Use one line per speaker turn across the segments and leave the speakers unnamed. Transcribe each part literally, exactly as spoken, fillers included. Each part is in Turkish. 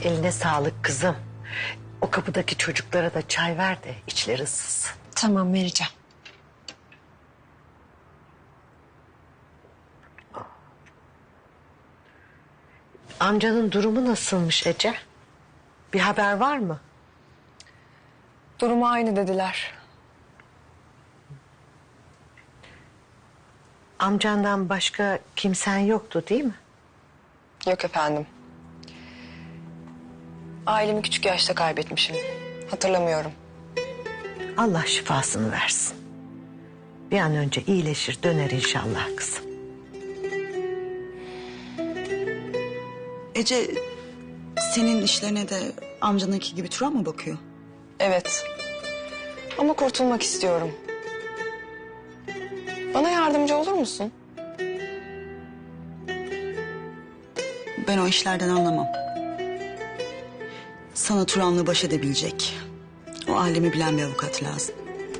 Eline sağlık kızım. O kapıdaki çocuklara da çay ver de içleri ısınsın.
Tamam, vereceğim.
Amcanın durumu nasılmış Ece? Bir haber var mı?
Durumu aynı dediler.
Amcandan başka kimsen yoktu değil mi?
Yok efendim. Ailemi küçük yaşta kaybetmişim. Hatırlamıyorum.
Allah şifasını versin. Bir an önce iyileşir döner inşallah kızım.
Ece, senin işlerine de amcanınki gibi Turan mı bakıyor?
Evet. Ama kurtulmak istiyorum. Bana yardımcı olur musun?
Ben o işlerden anlamam. Sana Turan'la baş edebilecek, o alemi bilen bir avukat lazım.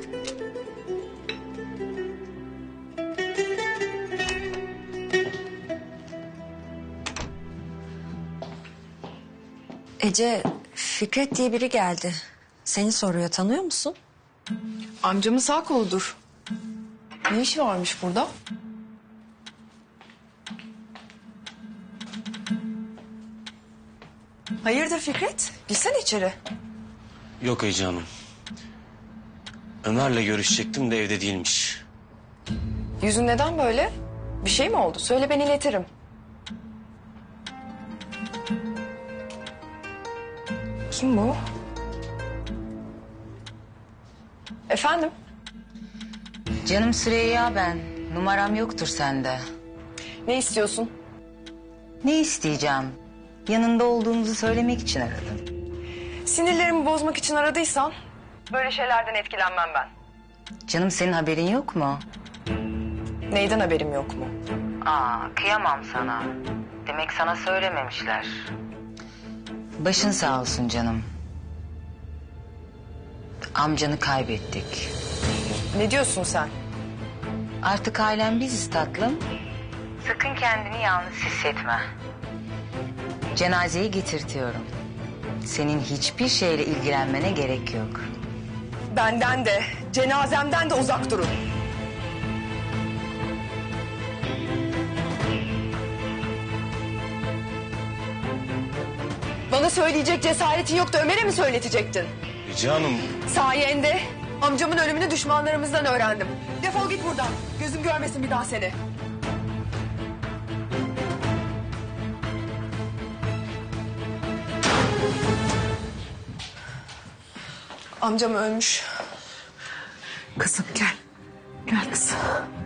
Ece, Fikret diye biri geldi. Seni soruyor, tanıyor musun?
Amcamın sağ koludur. Ne işi varmış burada? Hayırdır Fikret? Girsene içeri.
Yok Ece Hanım. Ömer'le görüşecektim de evde değilmiş.
Yüzün neden böyle? Bir şey mi oldu? Söyle, ben iletirim. Kim bu? Efendim?
Canım Süreyya ben. Numaram yoktur sende.
Ne istiyorsun?
Ne isteyeceğim? Yanında olduğumuzu söylemek için aradım.
Sinirlerimi bozmak için aradıysan... böyle şeylerden etkilenmem ben.
Canım senin haberin yok mu?
Neyden haberim yok mu?
Aa, kıyamam sana. Demek sana söylememişler. Başın sağ olsun canım. Amcanı kaybettik.
Ne diyorsun sen?
Artık ailen biziz tatlım. Sakın kendini yalnız hissetme. Cenazeyi getirtiyorum. Senin hiçbir şeyle ilgilenmene gerek yok.
Benden de, cenazemden de uzak durun. Bana söyleyecek cesaretin yoktu, Ömer'e mi söyletecektin?
Ece Hanım.
Sayende amcamın ölümünü düşmanlarımızdan öğrendim. Defol git buradan. Gözüm görmesin bir daha seni. Amcam ölmüş.
Kızım gel. Gel kızım.